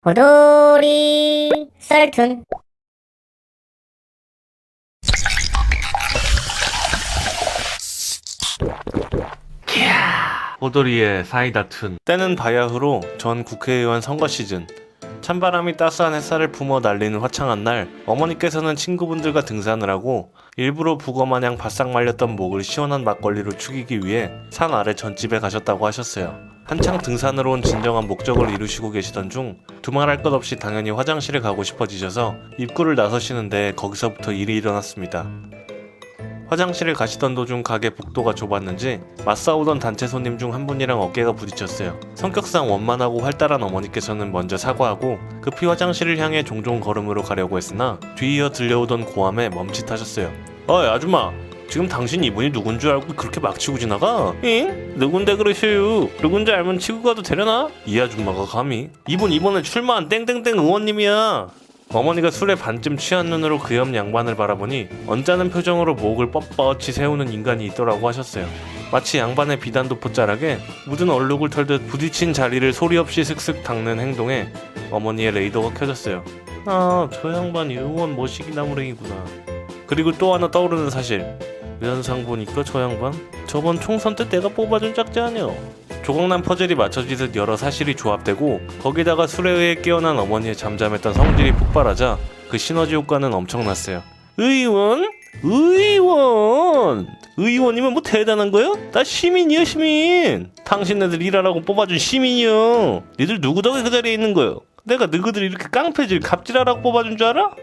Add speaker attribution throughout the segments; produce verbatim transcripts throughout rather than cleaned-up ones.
Speaker 1: 호돌이 썰툰.
Speaker 2: 호돌이의 사이다툰. 때는 바야흐로 전 국회의원 선거 시즌. 찬바람이 따스한 햇살을 품어 날리는 화창한 날, 어머니께서는 친구분들과 등산을 하고 일부러 북어마냥 바싹 말렸던 목을 시원한 막걸리로 축이기 위해 산 아래 전집에 가셨다고 하셨어요. 한창 등산으로 온 진정한 목적을 이루시고 계시던 중 두말할 것 없이 당연히 화장실에 가고 싶어지셔서 입구를 나서시는데 거기서부터 일이 일어났습니다. 화장실을 가시던 도중 가게 복도가 좁았는지 맞싸우던 단체 손님 중 한 분이랑 어깨가 부딪혔어요. 성격상 원만하고 활달한 어머니께서는 먼저 사과하고 급히 화장실을 향해 종종 걸음으로 가려고 했으나 뒤이어 들려오던 고함에 멈칫하셨어요. 어이 아줌마, 지금 당신 이분이 누군 줄 알고 그렇게 막 치고 지나가? 응? 누군데 그러셔요? 누군지 알면 치고 가도 되려나? 이 아줌마가 감히? 이분 이번에 출마한 땡땡땡 의원님이야. 어머니가 술에 반쯤 취한 눈으로 그 옆 양반을 바라보니 언짢은 표정으로 목을 뻣뻣이 세우는 인간이 있더라고 하셨어요. 마치 양반의 비단도포 자락에 묻은 얼룩을 털듯 부딪힌 자리를 소리 없이 슥슥 닦는 행동에 어머니의 레이더가 켜졌어요. 아, 저 양반이 의원 모시기 나무랭이구나. 그리고 또 하나 떠오르는 사실. 면상 보니까 저 양반 저번 총선 때 내가 뽑아준 짝지 아니야. 조각난 퍼즐이 맞춰지듯 여러 사실이 조합되고 거기다가 술에 의해 깨어난 어머니의 잠잠했던 성질이 폭발하자 그 시너지 효과는 엄청났어요. 의원? 의원! 의원이면 뭐 대단한 거요? 나 시민이요, 시민. 당신네들 일하라고 뽑아준 시민이요. 니들 누구 덕에 그 자리에 있는 거요? 내가 너희들 이렇게 깡패질 갑질하라고 뽑아준 줄 알아?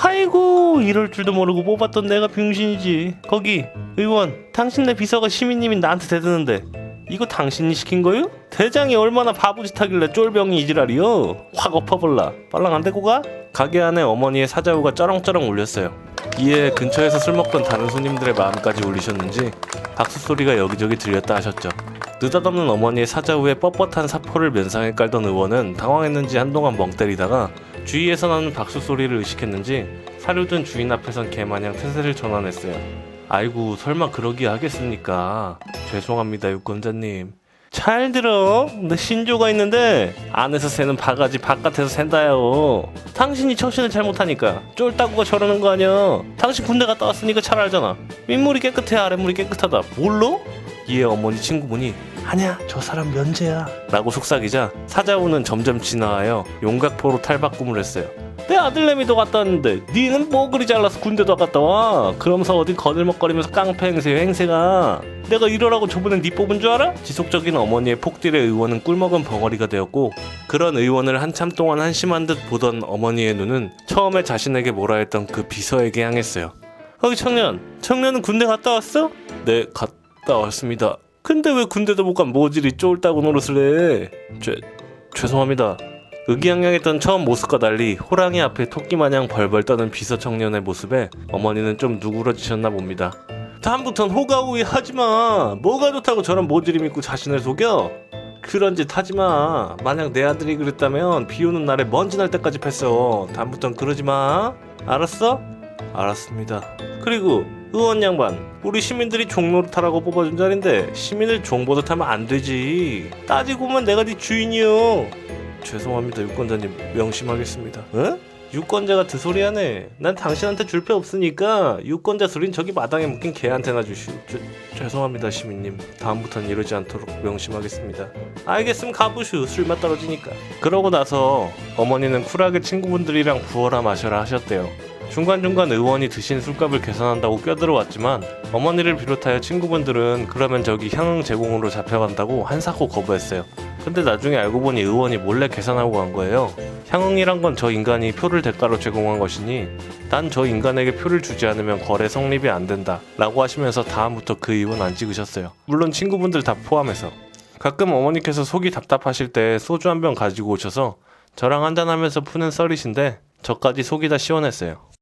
Speaker 2: 아이고, 이럴 줄도 모르고 뽑았던 내가 병신이지. 거기 의원, 당신네 비서가 시민님이 나한테 대드는데 이거 당신이 시킨 거요? 대장이 얼마나 바보짓 하길래 쫄병이 이지랄이요? 확 엎어볼라. 빨랑 안 데리고 가? 가게 안에 어머니의 사자후가 쩌렁쩌렁 울렸어요. 이에 근처에서 술 먹던 다른 손님들의 마음까지 울리셨는지 박수 소리가 여기저기 들렸다 하셨죠. 느닷없는 어머니의 사자후에 뻣뻣한 사포를 면상에 깔던 의원은 당황했는지 한동안 멍 때리다가 주위에서 나는 박수 소리를 의식했는지 사료든 주인 앞에선 개마냥 태세를 전환했어요. 아이고, 설마 그러기 하겠습니까? 죄송합니다, 유권자님. 잘 들어. 내 신조가 있는데 안에서 새는 바가지 바깥에서 샌다요. 당신이 처신을 잘못하니까 쫄따구가 저러는 거 아니야. 당신 군대 갔다 왔으니까 잘 알잖아. 윗물이 깨끗해 아랫물이 깨끗하다. 몰라? 이에 어머니 친구분이 아니야, 저 사람 면제야 라고 속삭이자 사자우는 점점 진화하여 용각포로 탈바꿈을 했어요. 내 아들내미도 갔다 왔는데 니는 뭐 그리 잘나서 군대도 갔다 와. 그러면서 어디 거들먹거리면서 깡패 행세요 행세가. 내가 이러라고 저번에 니 뽑은 줄 알아? 지속적인 어머니의 폭딜에 의원은 꿀먹은 벙어리가 되었고 그런 의원을 한참 동안 한심한 듯 보던 어머니의 눈은 처음에 자신에게 뭐라 했던 그 비서에게 향했어요. 거기 청년, 청년은 군대 갔다 왔어? 네, 갔다 왔습니다. 근데 왜 군대도 못 간 모질이 쫄따구 노릇을 해? 죄, 죄송합니다. 의기양양했던 처음 모습과 달리 호랑이 앞에 토끼마냥 벌벌 떠는 비서 청년의 모습에 어머니는 좀 누그러지셨나 봅니다. 다음부턴 호가호위 하지마. 뭐가 좋다고 저런 모질이 믿고 자신을 속여? 그런 짓 하지마. 만약 내 아들이 그랬다면 비 오는 날에 먼지 날 때까지 팼어. 다음부턴 그러지마. 알았어? 알았습니다. 그리고 의원 양반, 우리 시민들이 종노릇하라고 뽑아준 자리인데 시민을 종보듯 하면 안 되지. 따지고 보면 내가 네 주인이요. 죄송합니다, 유권자님. 명심하겠습니다. 어? 유권자가 드소리하네. 난 당신한테 줄 표 없으니까 유권자 소린 저기 마당에 묶인 개한테나 주시오. 죄, 죄송합니다, 시민님. 다음부턴 이러지 않도록 명심하겠습니다. 알겠으면 가보슈. 술맛 떨어지니까. 그러고 나서 어머니는 쿨하게 친구분들이랑 부어라 마셔라 하셨대요. 중간중간 의원이 드신 술값을 계산한다고 껴들어왔지만 어머니를 비롯하여 친구분들은 그러면 저기 향응 제공으로 잡혀간다고 한사코 거부했어요. 근데 나중에 알고 보니 의원이 몰래 계산하고 간 거예요. 향응이란 건 저 인간이 표를 대가로 제공한 것이니 난 저 인간에게 표를 주지 않으면 거래 성립이 안 된다 라고 하시면서 다음부터 그 이유는 안 찍으셨어요. 물론 친구분들 다 포함해서. 가끔 어머니께서 속이 답답하실 때 소주 한 병 가지고 오셔서 저랑 한잔하면서 푸는 썰이신데 저까지 속이 다 시원했어요.